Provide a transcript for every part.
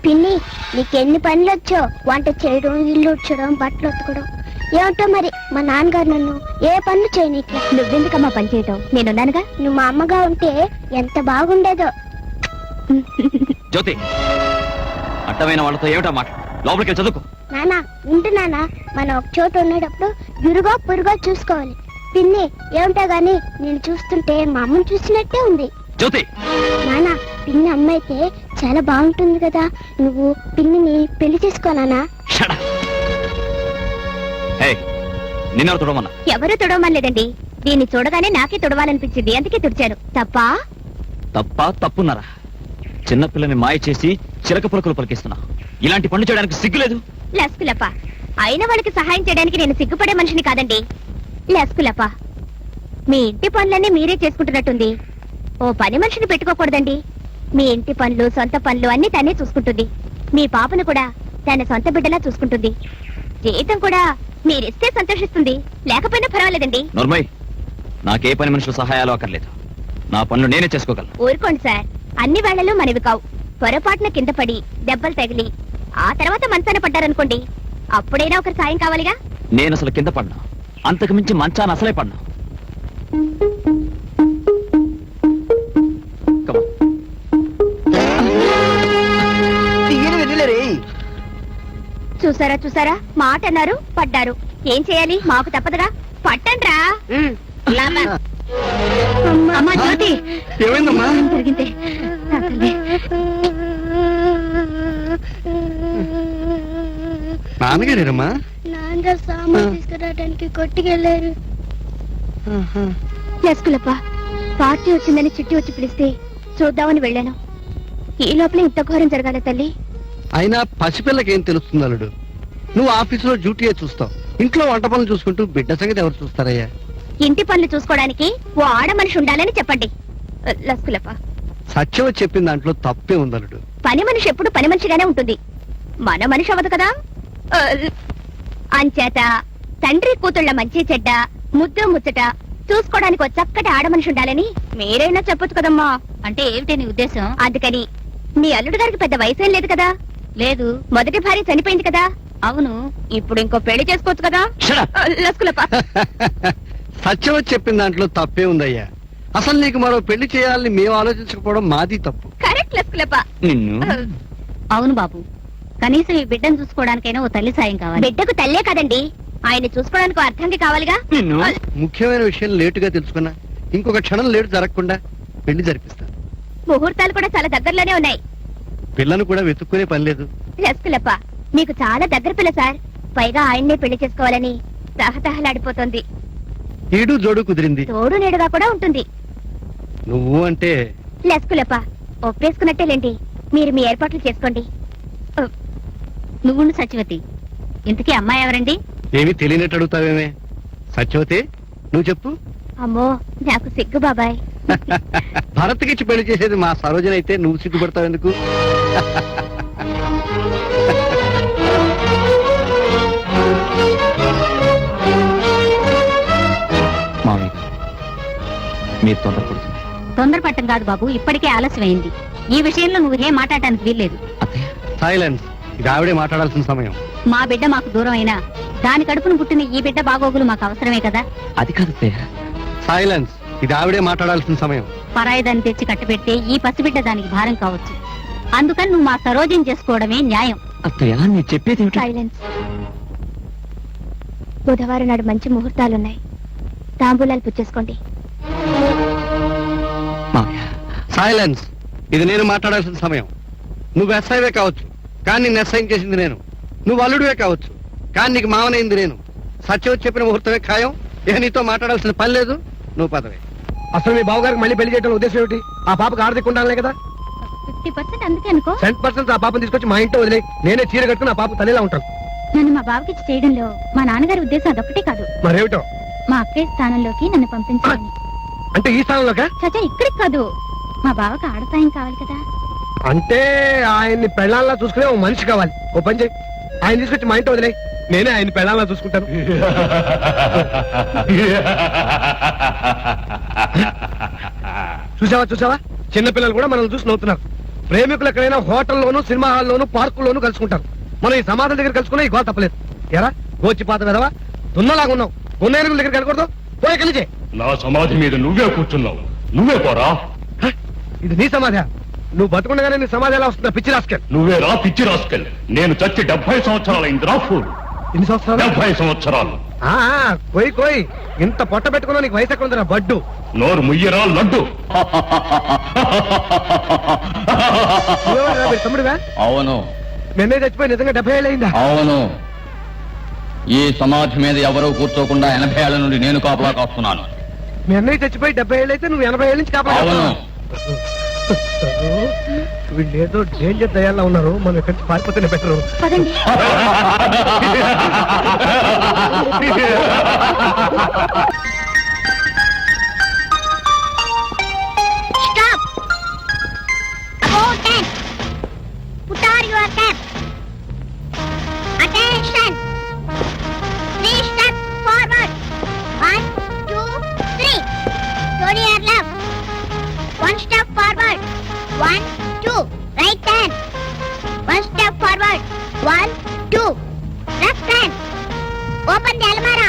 పిన్ని, నీకెన్ని పనులు వచ్చో, వంట చేయడం, ఇల్లు ఉడ్చడం, బట్టలు ఉతకడం. ఏమిటో మరి మా నాన్నగారు నన్ను ఏ పనులు చేయనీకి. నువ్వెందుకమ్మా పని చేయటం, నేనున్నానుగా. నువ్వు మా అమ్మగా ఉంటే ఎంత బాగుండేదో. జ్యోతి, అడ్డమైన వాళ్ళతో ఏమిటా మాట? లోపలికి చదువుకో. నానా ఉంటు నానా, మనం ఒక చోట ఉండేటప్పుడు ఇరుగో పొరుగో చూసుకోవాలి. పిన్ని, ఏమిటో గాని నేను చూస్తుంటే మా అమ్మని చూసినట్టే ఉంది. జ్యోతి, నానా, పిన్ని అమ్మ అయితే చాలా బాగుంటుంది కదా, నువ్వు పిన్నిని పెళ్లి చేసుకోనానా? నిన్నెవరు తుడమన్నా? ఎవరు తుడవమనలేదండి. దీన్ని చూడగానే నాకే తుడవాలనిపించింది, అందుకే తుడిచాను. తప్ప తప్పున్నారా? చిన్నపిల్లని మాయ చేసి చిలక పులకలు పలికిస్తున్నా. ఇలాంటి పనులు చేయడానికి సిగ్గులేదు? లస్కులప్ప, అయిన వాళ్ళకి సహాయం చేయడానికి నేను సిగ్గుపడే మనిషిని కాదండి. లస్కులప్ప, మీ ఇంటి పనులన్నీ మీరే చేసుకుంటున్నట్టుంది. ఓ పని మనిషిని పెట్టుకోకూడదండి. మీ ఇంటి పనులు, సొంత పనులు అన్ని తనే చూసుకుంటుంది. మీ పాపను కూడా తన సొంత బిడ్డలా చూసుకుంటుంది. జీతం కూడా మీరిస్తే సంతోషిస్తుంది, లేకపోయినా పర్వాలేదండి. నోర్మయ్, నాకే పని మనుషుల సహాయాలు అక్కర్లేదు. నా పనులు నేనే చేసుకోగలను. ఊరుకోండి సార్, అన్ని వేళలు మనవి కావు. పొరపాటున కింద పడి దెబ్బలు తగిలి ఆ తర్వాత మంచాన పడ్డారనుకోండి, అప్పుడైనా ఒకరి సాయం కావాలిగా. నేను అసలు కింద పడ్డా, అంతకు మించి మంచాన అసలే పడ్డా. చూసారా, మాట అన్నారు, పడ్డారు. ఏం చేయాలి, మాకు తప్పదుగా. పట్టండ్రా. అమ్మా జ్యోతి, ఏమైందమ్మా? జరిగిందే నాన్నగారేనమ్మా? నాన్నగారు సామాన్ తీసుకురావడానికి కొట్టుకెళ్ళారు. లస్కులప్ప, పార్టీ వచ్చిందని చిట్టి వచ్చి పిలిస్తే చూద్దామని వెళ్ళాను. ఈ లోపల ఇంత ఘోరం జరగాలి తల్లి. అయినా పసిపిల్లకేం తెలుస్తుంది అల్లుడు? నువ్వు ఆఫీసులో డ్యూటీయే చూస్తావు, ఇంట్లో వంట పనులు చూసుకుంటూ బిడ్డ సంగతి ఎవరు చూస్తారయ్యా? ఇంటి పనులు చూసుకోవడానికి ఓ ఆడ మనిషి ఉండాలని చెప్పండి. లస్కులప్ప, సత్యం చెప్పిన దాంట్లో తప్పే ఉంది అల్లుడు. పని మనిషి ఎప్పుడు పని మనిషిగానే ఉంటుంది, మన మనిషి అవ్వదు కదా. అంచేత తండ్రి కూతుళ్ళ మంచి చెడ్డ, ముద్దు ముచ్చట చూసుకోవడానికి ఒక చక్కటి ఆడ మనిషి ఉండాలని మీరైనా చెప్పొచ్చు కదమ్మా. అంటే ఏమిటి నీ ఉద్దేశం? అందుకని మీ అల్లుడు గారికి పెద్ద వయసేం లేదు కదా. లేదు, మొదటి భార్య చనిపోయింది కదా. అవును, ఇప్పుడు ఇంకో పెళ్లి చేసుకోవచ్చు కదా. లస్కులప్ప, సత్యం చెప్పిన దాంట్లో తప్పే ఉందయ్యా. అసలు నీకు మరో పెళ్లి చేయాలని మేము ఆలోచించకపోవడం మాది తప్పు. కరెక్ట్ లస్కులప్ప. నిన్ను అవును బాబు, కనీసం ఈ బిడ్డను చూసుకోవడానికైనా ఓ తల్లి సాయం కావాలి. బిడ్డకు తల్లే కదండి, ఆయన చూసుకోవడానికి అర్థంకి కావాలిగా. నిన్ను ముఖ్యమైన విషయం లేటుగా తెలుసుకున్నా, ఇంకొక క్షణం లేటు జరగకుండా పెళ్లి జరిపిస్తాను. ముహూర్తాలు కూడా చాలా దగ్గరలోనే ఉన్నాయి. పిల్లను కూడా వెతుక్కునే పని లేదు. లస్కులప్ప, మీకు చాలా దగ్గర పిల్ల సార్. పైగా ఆయన్నే పెళ్లి చేసుకోవాలని తహతహలాడిపోతుంది. ఈడు జోడు కుదిరింది, తోడు నీడుగా కూడా ఉంటుంది. నువ్వు అంటే లస్కులప్ప, ఒప్పేసుకున్నట్టేలేండి. మీరు మీ ఏర్పాట్లు చేసుకోండి. నువ్వు సత్యవతి, ఇంతకీ అమ్మాయి ఎవరండి? ఏమీ తెలియనట్టు అడుగుతావేమే. సత్యవతి, నువ్వు చెప్పు. అమ్మో, నాకు సిగ్గు బాబాయ్. భరత్కిచ్చి పెళ్లి చేసేది మా సరోజన అయితే నువ్వు సిగ్గుపడతావు ఎందుకు? మీరు తొందరపడుతుంది. తొందరపట్టం కాదు బాబు, ఇప్పటికే ఆలస్యమైంది. ఈ విషయంలో నువ్వు ఏం మాట్లాడటానికి వీల్లేదు. సైలెన్స్, ఇది ఆవిడే మాట్లాడాల్సిన సమయం. మా బిడ్డ మాకు దూరం అయినా దాని కడుపును పుట్టిన ఈ బిడ్డ బాగోగులు మాకు అవసరమే కదా. అది కాదు. సైలెన్స్, ఇది ఆవిడే మాట్లాడాల్సిన సమయం. పరాయి దాన్ని తెచ్చి కట్టబెడితే ఈ పసిబిడ్డ దానికి భారం కావచ్చు. అందుకని నువ్వు మా సరోజం చేసుకోవడమే న్యాయం. అత్తయ్య, నేను చెప్పేది సైలెన్స్. బుధవారం నాడు మంచి ముహూర్తాలున్నాయి, తాంబూలాలు పుచ్చేసుకోండి. సైలెన్స్, ఇది నేను మాట్లాడాల్సిన సమయం. నువ్వు ఎస్ఐవే కావచ్చు, కానీ నిన్ను ఎస్ఐం చేసింది నేను. నువ్వు అల్లుడివే కావచ్చు, కానీ నీకు మావనైంది నేను. సత్యం చెప్పిన ముహూర్తమే ఖాయం. ఇక నీతో మాట్లాడాల్సిన పని లేదు, నువ్వు పదవే. అసలు మీ బావగారికి మళ్ళీ పెళ్లి చేయడం ఉద్దేశం ఏమిటి? ఆ పాపకు ఆర్థిక ఉండాలనే కదా. 50% అందుకే అనుకో. 100% ఆ పాపను తీసుకొచ్చి మా ఇంట్లో వదిలే. నేనే చీర కట్టుకుని ఆ పాప తల్లిలా ఉంటాను. నన్ను మా బావకిచ్చి చేయడంలో మా నాన్నగారి ఉద్దేశం అదొక్కటే కాదు. మరేమిటో? మా అక్కయ్య స్థానంలోకి నన్ను పంపించాలని. అంటే ఈ స్థానంలోకా? చచ్చా, ఇక్కడికి కాదు. మా బావకు ఆడసాయం కావాలి కదా. అంటే ఆయన్ని పెళ్ళాల్లా చూసుకునే ఓ మనిషి కావాలి. ఓ పని చేయి, ఆయన తీసుకొచ్చి మా ఇంట్లో వదిలే. నేనే ఆయన పెళ్ళాల్లా చూసుకుంటాను. చూసావా, చిన్నపిల్లలు కూడా మనల్ని చూసి నవ్వుతున్నారు. ప్రేమికులు ఎక్కడైనా హోటల్లోను సినిమా హాల్లోను పార్కుల్లోను కలుసుకుంటారు. మనం ఈ సమాధుల దగ్గర కలుసుకున్నా ఈ గోల తప్పలేదు. ఎరా గోచిపాత వెదవా, దున్నలాగా ఉన్నావు. గున్నేరుగుల దగ్గర కలకూడదు, పోయి కలిచే. నా సమాధి మీద నువ్వే కూర్చున్నావు, నువ్వే పోరా. ఇది నీ సమాధి? నువ్వు బతుకుండగానే నీ సమాధి ఎలా వస్తుందా పిచ్చి రాసుకెళ్ళి? నువ్వే రా పిచ్చి రాసుకెళ్ళి. నేను చచ్చి 70 సంవత్సరాలైంది రా ఫూల్. ఎన్ని సంవత్సరాలు? 70 సంవత్సరాలు. కోయి కోయి, ఇంత పొట్ట పెట్టుకున్నా నీకు వయసు ఎక్కడ ఉందిరా బడ్డు? నోరు ముయ్యరా లడ్డు. నువ్వెవరురా, వీడి తమ్ముడివా? అవును నిన్నే చచ్చిపోయి నిజంగా 70 ఏళ్ళు అయిందా? అవును, ఈ సమాధి మీద ఎవరూ కూర్చోకుండా 80 ఏళ్ల నుండి నేను కాపలా కాస్తున్నాను. మీ అన్నయ్య చచ్చిపోయి 70 ఏళ్ళు అయితే నువ్వు 80 ఏళ్ళ నుంచి కాపాడు. అవును, వీళ్ళు ఏదో డేంజర్ దయాల్లో ఉన్నారు, మనం ఎక్కడి నుంచి పారిపోతేనే బెటరు. పదండి. Stop! About 10. Put on your cap. Attention. 3 steps forward. 1, 2, 3. Turn your left. 1 step forward. 1, 2. Right hand. 1 step forward. 1, 2. Left hand. Open the almara.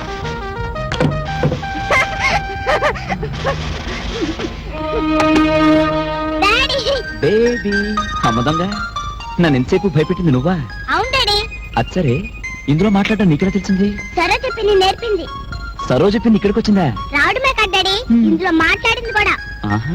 Daddy. Baby అమ్మదంగా నన్ను ఎంతసేపు భయపెట్టింది నువ్వా? అవును డాడీ. అచ్చరే, ఇందులో మాట్లాడడం నీకెలా తెలిసింది? సరే చెప్పింది నేర్పింది. సరోజ చెప్పింది ఇక్కడికి వచ్చిందా? రావడమే కదా డాడీ, ఇందులో మాట్లాడింది కూడా. ఆహా.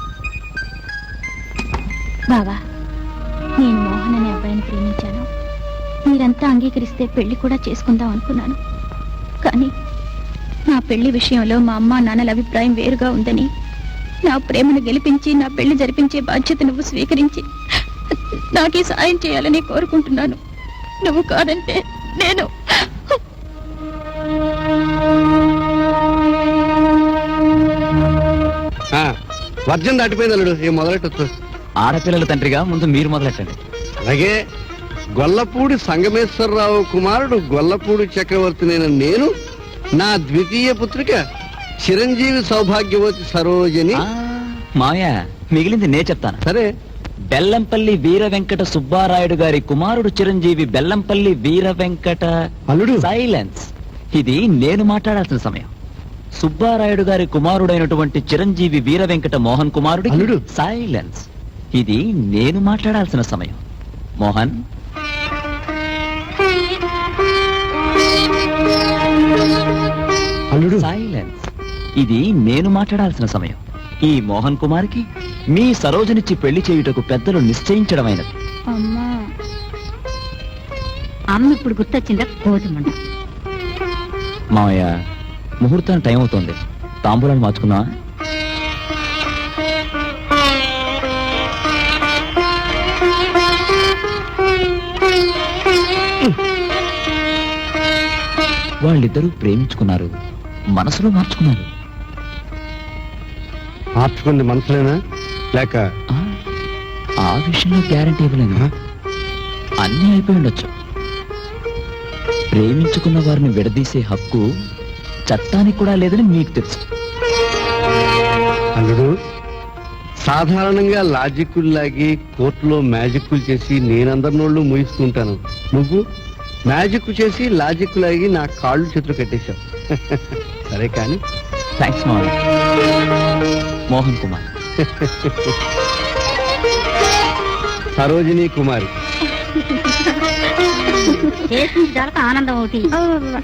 బావా, నేను మోహన్ అనే అబ్బాయిని ప్రేమించాను. మీరంతా అంగీకరిస్తే పెళ్లి కూడా చేసుకుందాం అనుకున్నాను. కానీ నా పెళ్లి విషయంలో మా అమ్మ నాన్నల అభిప్రాయం వేరుగా ఉందని, నా ప్రేమను గెలిపించి నా పెళ్లి జరిపించే బాధ్యత నువ్వు స్వీకరించి నాకే సాయం చేయాలని కోరుకుంటున్నాను. నువ్వు కాదంటే నేను వర్జం దాటిపోయింది అల్లుడు, ఏ మొదలెట్టొచ్చు. ఆడపిల్లల తండ్రిగా ముందు మీరు మొదలెట్టండి. అలాగే గొల్లపూడి సంగమేశ్వరరావు కుమారుడు గొల్లపూడి చక్రవర్తినైన నేను నా ద్వితీయ పుత్రిక చిరంజీవి సౌభాగ్యవతి సరోజని. మాయ మిగిలింది నే చెప్తాను. సరే, బెల్లంపల్లి వీర వెంకట సుబ్బారాయుడు గారి కుమారుడు చిరంజీవి బెల్లంపల్లి వీర వెంకట. అల్లుడు. సైలెన్స్. ఇది నేను మాట్లాడాల్సిన సమయం. సుబ్బారాయుడు గారి కుమారుడైనటువంటి చిరంజీవి వీర వెంకట మోహన్ కుమారుడు. అల్లుడు. సైలెన్స్. ఇది నేను మాట్లాడాల్సిన సమయం. మోహన్, అల్లుడు. సైలెన్స్. ఇది నేను మాట్లాడాల్సిన సమయం. ఈ మోహన్ కుమార్కి మీ సరోజనిచ్చి పెళ్లి చేయుటకు పెద్దలు నిశ్చయించడమైనది. అమ్మా, అమ్మ ఇప్పుడు గుర్తొచ్చిందా? కోతుమంట. మావయ్య, ముహూర్తానికి టైం అవుతోంది. తాంబూలాలు మార్చుకుందా? వాళ్ళిద్దరూ ప్రేమించుకున్నారు, మనసులో మార్చుకున్నారు. మార్చుకుంది మనసులేనా లేక? ఆ విషయంలో గ్యారంటీ ఇవ్వలేను. అన్నీ అయిపోయి ఉండొచ్చు. ప్రేమించుకున్న వారిని విడదీసే హక్కు చట్టానికి కూడా లేదని మీకు తెలుసు. అల్లుడు, సాధారణంగా లాజిక్కులు లాగి కోర్టులో మ్యాజిక్కులు చేసి నేనందరినోళ్ళు మూయిస్తుంటాను. నువ్వు మ్యాజిక్ చేసి లాజిక్ లాగి నా కాళ్ళు చేతులు కట్టేశావు. సరే కానీ థ్యాంక్స్ మావయ్య. మోహన్ కుమార్. సరోజిని కుమారి. ఆనందం అవుతుంది.